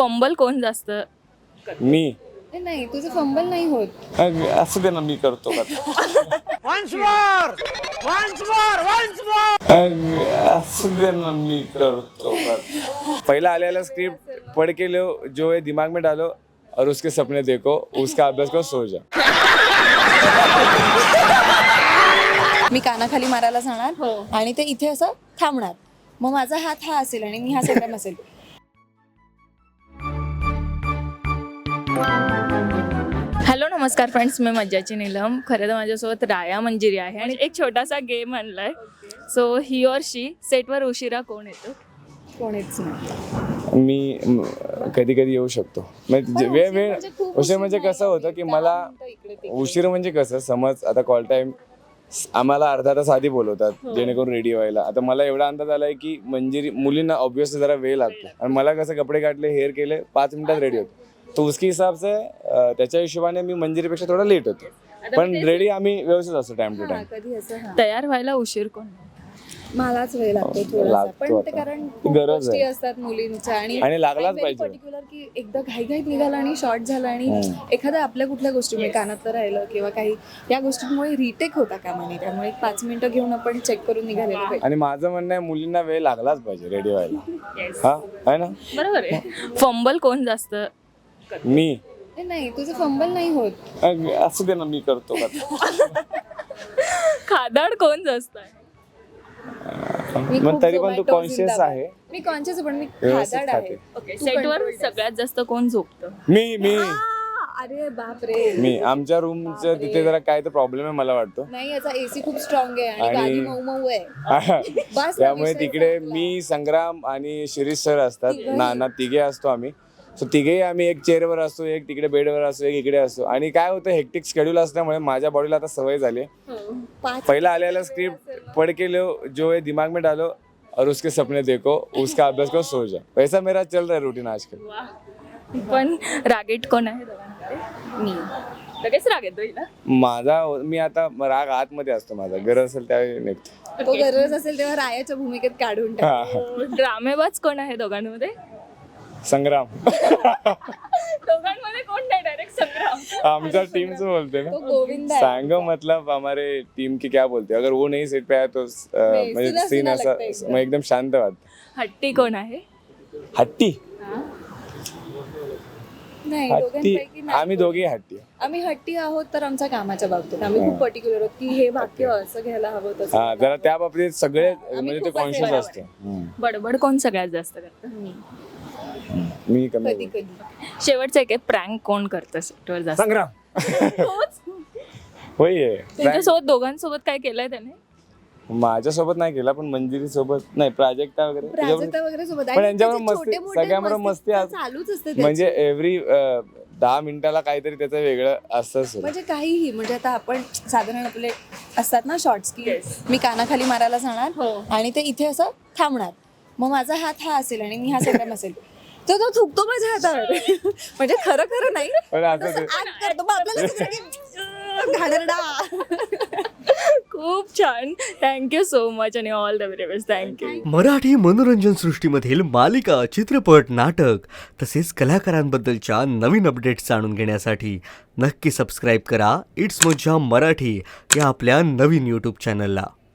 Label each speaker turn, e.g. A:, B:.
A: Fumble कोण जास्त?
B: मी.
C: नाही, तुझं फंबल नाही होत.
B: असं दे ना, मी करतो का? असं दे ना, मी करतो का? पहिला आलेला स्क्रिप्ट पढ़ के लो, जो है दिमाग में डालो और उसके सपने देखो, उसका अभ्यास करो, सो जा.
C: मी कानाखाली मारायला जाणार आणि ते इथे असं थांबणार. मग माझा हात हा असेल आणि मी हा संग्राम असेल.
A: हॅलो नमस्कार फ्रेंड्स, मी मज्जाची नीलम. खरं तर माझ्यासोबत राया मंजिरी आहे आणि एक छोटासा गेम आणलाय. सो ही और शी सेटवर उशिरा कोण येतो?
C: कोणीच नाही.
B: मी कधी कधी येऊ शकतो. वेळ उशीर म्हणजे कसं होतं की मला उशीर म्हणजे कसं, समज आता कॉल टाइम आम्हाला अर्धा तास आधी बोलवतात जेणेकरून रेडी व्हायला. आता मला एवढा अंदाज आलाय की मंजिरी मुलींना ऑब्विसली जरा वेळ लागतो आणि मला कसं कपडे काढले, हेअर केले, 5 मिनिटात रेडी होतो. तो उसके हिसाब से त्याच्या हिशोबाने मी मंजिरीपेक्षा थोडा लेट होतो, पण रेडी आम्ही व्यवस्थित असतो टाइम टू टाइम.
C: कधी असं
A: तयार व्हायला उशीर कोण?
C: मलाच वेळ लागतो थोडासा, पण ते कारण खूप
B: गरज
C: गोष्टी
B: आहे.
C: असतात मुलींच्या
B: आणि लागलाच पाहिजे.
C: पर्टिक्युलर की एकदा घाईघाईत निघाला आणि शॉर्ट झाला आणि एखाद्या आपल्या कुठल्या गोष्टी कानातलं राहिलं किंवा काही या गोष्टींमुळे रिटेक होता कामा नये. त्यामुळे 5 मिनिटं घेऊन आपण चेक करून निघालेलो पाहिजे.
B: आणि माझं म्हणणं आहे मुलींना वेळ लागलाच पाहिजे रेडी व्हायला. हा आहे ना?
A: बरोबर आहे. फंबल कोण जास्त?
B: मी.
C: नाही, तुझं फंबल नाही होत.
B: असं दे ना, मी करतो का?
A: खादाड कोण जास्त आहे?
B: पण तरी पण तू कॉन्शियस आहे.
C: मी कॉन्शियस आहे, पण मी
B: व्यवस्थित
C: खादाड आहे.
A: ओके, सेटवर सगळ्यात जास्त कोण झोपतं?
B: मी
C: अरे बाप रे.
B: मी आमच्या रूमच्या तिथे जरा काय तर प्रॉब्लेम आहे मला वाटतं.
C: नाही, याचा एसी खूप स्ट्रॉंग आहे आणि गादी मऊ मऊ आहे. बस ना,
B: त्यामुळे
C: विषय
B: तिकडे
C: संपला.
B: मी, संग्राम आणि शिरीष सर असतात. नाना तिघे असतो आम्ही. सो तिघेही आम्ही एक चेअरवर असतो, एक तिकडे बेडवर असतो, एक इकडे असतो. आणि काय होतं, हेक्टिक शेड्यूल असल्यामुळे माझ्या बॉडीला आता सवय झाली. पहिला आलेला स्क्रिप्ट पढ़ के लो, जो है दिमाग में डालो और उसके सपने देखो, उसका अभ्यास करो, सो जा. वैसा मेरा चल रहा है रूटीन आजकल.
A: पण रागीट कोण आहे दोघांमध्ये?
C: मी.
A: लगेच राग येतो हिला.
B: मी आता राग आतमध्ये असतो माझा, गरज असेल त्यावेळी निघतो.
C: तो गरज असेल तेव्हा रायाच्या भूमिकेत काढून टाक.
A: ड्रामेबाज कोण आहे दोघांमध्ये?
B: संग्राम.
A: दोघांमध्ये कोण नाही, डायरेक्ट संग्राम.
B: आमच्या टीम से बोलते ना,
C: तो गोविंद आहे.
B: सांगो मतलब हमारे टीम की क्या बोलते, अगर वो नहीं सेट पे आया तो म्हणजे
C: सुना
B: सीन
C: सुना
B: ऐसा
C: लगता है एकदम.
B: मग एकदम शांत वाटत.
A: हट्टी कोण आहे?
B: हट्टी.
C: नाही,
B: हट्टी
C: दोघांपैकी नाही.
B: आम्ही दोघे हट्टी.
C: आम्ही हट्टी आहोत तर आमच्या कामाच्या बाबतीत आम्ही खूप पर्टिक्युलर आहोत की हे वाक्य असं घ्यायला हवं तसं.
B: हा, जरा त्या बाबतीत सगळे म्हणजे ते
C: खूप
B: कॉन्शियस
C: असे
B: असते.
A: बडबड कोण सगळ्यात जास्त करतं?
B: मी कमी.
C: कधी कधी
A: शेवटचं एक आहे, प्रँक कोण करतं सेटवर जास्त?
B: संग्राम.
A: तोच.
B: होय.
A: तुमच्यासोबत दोघांसोबत काय केलंय त्याने?
B: माझ्यासोबत नाही केला, पण मंजिरी सोबत नाही, प्राजक्ता वगैरे
C: प्राजक्ता वगैरे सोबत
B: पण यांच्याबरोबर मस्ती,
C: छोटे-मोठे
B: सगळ्यांबरोबर मस्ती
C: चालूच असते त्याची.
B: म्हणजे एव्हरी 10 मिनिटाला काहीतरी त्याचं वेगळं असतंच.
C: म्हणजे काहीही, म्हणजे आता आपण साधारण आपले असतात ना शॉर्ट्स की मी कानाखाली मारायला जाणार आणि ते इथे असं थांबणार. मग माझा हात हा असेल आणि मी हा संग्राम असेल. तर तो थुकतो माझ्या हातावर. म्हणजे खरं खरं नाही,
B: पण असं
C: तसं act करतो. मग आपल्याला असं की, घाणेरडा.
A: खूप छान. थँक्यू सो मच आणि all the very best. Thank you.
D: Marathi मनोरंजन सृष्टीमधील मालिका, चित्रपट, नाटक तसेच कलाकारांबद्दलच्या नवीन अपडेट्स जाणून घेण्यासाठी नक्की सबस्क्राईब करा इट्स मज्जा मराठी या आपल्या नवीन यूट्यूब चॅनलला.